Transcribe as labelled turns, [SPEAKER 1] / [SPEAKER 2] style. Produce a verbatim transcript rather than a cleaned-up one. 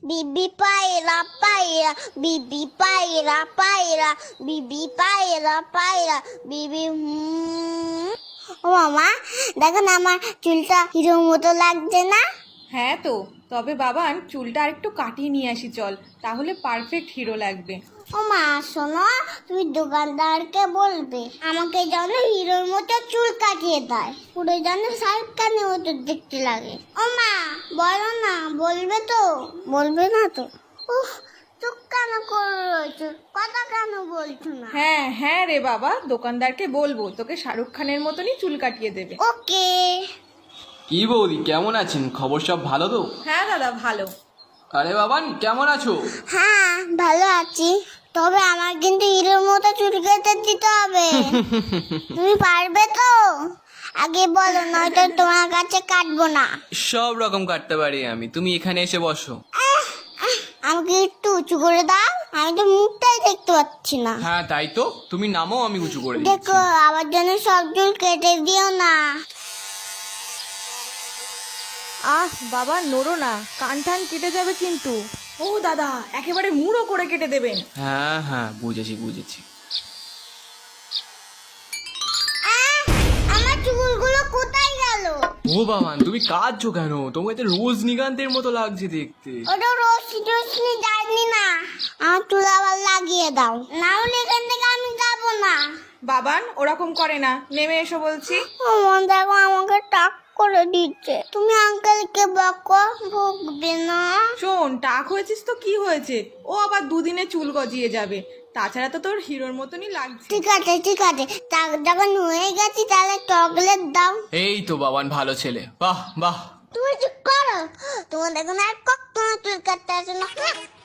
[SPEAKER 1] বিবি পায়রা পায়রা বিবি পায়রা পায়রা বিবি পায়রা পায়রা বিবি হুম। ও মামা দেখো না আমার চুলটা হিরোর মতো লাগছে না?
[SPEAKER 2] হ্যাঁ তো, তবে বাবান চুলটা আরেকটু কাটিয়ে নিয়ে আসি চল, তাহলে পারফেক্ট হিরো লাগবে।
[SPEAKER 1] ও মা শোনো, তুমি দোকানদারকে বলবে আমাকে যেন হিরোর মতো চুল কাটিয়ে দেয়, পুরো যেন শাহরুখ খানের মতো দেখতে লাগে। ও মা বলো না, বলবে তো? বলবে না তো? উফ, চুপ কেন করে রয়েছো, কথা কেন বলছো না?
[SPEAKER 2] হ্যাঁ হ্যাঁ রে বাবা, দোকানদারকে বলবো তোকে শাহরুখ খানের মতনই চুল কাটিয়ে দেবে।
[SPEAKER 1] ওকে।
[SPEAKER 3] কি বৌদি, কেমন আছেন? খবর সব ভালো তো?
[SPEAKER 2] হ্যাঁ দাদা ভালো।
[SPEAKER 3] আরে বাবান, কেমন আছো?
[SPEAKER 1] হ্যাঁ ভালো আছি, তবে আমার কিন্তু হিরোর মতো চুল কেটে দিতে হবে। তুমি পারবে তো? আগে বলো, নয়তো তোমার কাছে কাটবো না।
[SPEAKER 3] সব রকম কাটতে পারি আমি, তুমি এখানে এসে বসো।
[SPEAKER 1] আমাকে একটু উঁচু করে দাও, আমি তো মুখটাই দেখতে পাচ্ছি না।
[SPEAKER 3] হ্যাঁ তাই তো, তুমি নামো, আমি উঁচু করে দিচ্ছি।
[SPEAKER 1] দেখো আমার জন্য সব চুল কেটে দিও না।
[SPEAKER 2] আহ বাবা নড়ো না, কান টান কেটে যাবে কিন্তু। ও দাদা, একেবারে মুড়ো করে কেটে দেবেন।
[SPEAKER 3] হ্যাঁ হ্যাঁ, বুঝেছি বুঝেছি।
[SPEAKER 1] আহ, আমার চুলগুলো কোথায় গেল?
[SPEAKER 3] ও বাবান, তুমি কাঁদছো কেন? তোমাকে তো রজনীকান্তের মতো লাগছে দেখতে।
[SPEAKER 1] ওটা রশ্মি টশ্মি যায়নি না, আমার চুল আবার লাগিয়ে দাও, না হলে এখান থেকে আমি যাবো না।
[SPEAKER 2] বাবান ওরকম করে না, নেমে এসো বলছি।
[SPEAKER 1] আমার দেখো আমাকে টাক করে দিচ্ছে, তুমি আঙ্কেলকে বকো, ভুগবে না।
[SPEAKER 2] শোন, টাক হয়েছিস তো কি হয়েছে, ও আবার দুদিনে চুল গজিয়ে যাবে, তাছাড়া তো তোর হিরোর মতনই লাগছে।
[SPEAKER 1] ঠিক আছে ঠিক আছে, টাক যখন হয়ে গেছি তাহলে চকলেট দাও।
[SPEAKER 3] এই তো বাবান, ভালো ছেলে, বাহ বাহ।
[SPEAKER 1] তুমি চুপ করো, তোমার দেখো না আর কখনো চুল কাটতে আসে না।